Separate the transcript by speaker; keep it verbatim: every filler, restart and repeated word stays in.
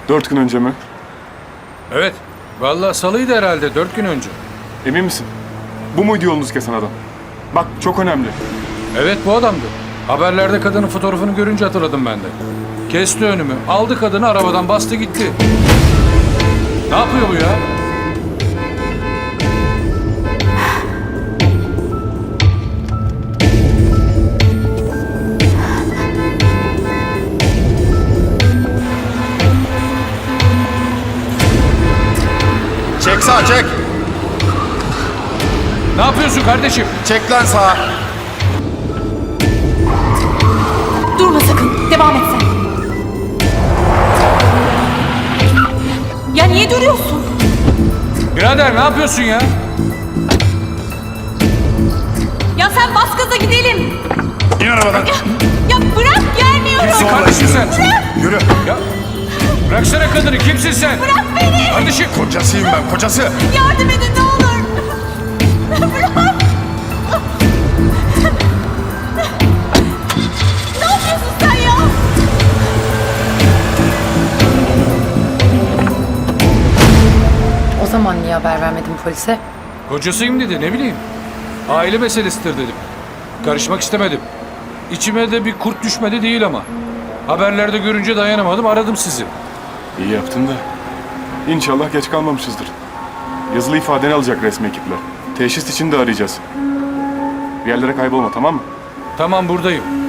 Speaker 1: Dört gün önce mi?
Speaker 2: Evet. Vallahi salıydı herhalde dört gün önce.
Speaker 1: Emin misin? Bu muydu yolunuz kesen adam? Bak çok önemli.
Speaker 2: Evet bu adamdı. Haberlerde kadının fotoğrafını görünce hatırladım ben de. Kesti önümü. Aldı kadını arabadan bastı gitti. Ne yapıyor bu ya?
Speaker 3: Çek sağa çek.
Speaker 2: Ne yapıyorsun kardeşim?
Speaker 3: Çek lan sağa.
Speaker 4: Durma sakın. Devam et sen. Ya niye duruyorsun?
Speaker 2: Birader ne yapıyorsun ya?
Speaker 4: Ya sen bas gaza gidelim.
Speaker 3: İn arabadan.
Speaker 4: Ya, ya bırak gelmiyorum.
Speaker 2: Kimsin kardeşim sen?
Speaker 3: Yürü.
Speaker 2: Ya bıraksana kadını, kimsin sen?
Speaker 4: Bırak beni.
Speaker 2: Kardeşim.
Speaker 3: Kocasıyım ben, kocası.
Speaker 4: Yardım edin ne olur. Bırak. Ne yapıyorsun sen ya?
Speaker 5: O zaman niye haber vermedin polise?
Speaker 2: Kocasıyım dedi, ne bileyim. Aile meselesidir dedim. Karışmak istemedim. İçime de bir kurt düşmedi değil ama. Haberlerde görünce dayanamadım, aradım sizi.
Speaker 1: İyi yaptın da. İnşallah geç kalmamışızdır. Yazılı ifadeni alacak resmi ekipler. Teşhis için de arayacağız. Bir yerlere kaybolma, tamam mı?
Speaker 2: Tamam buradayım.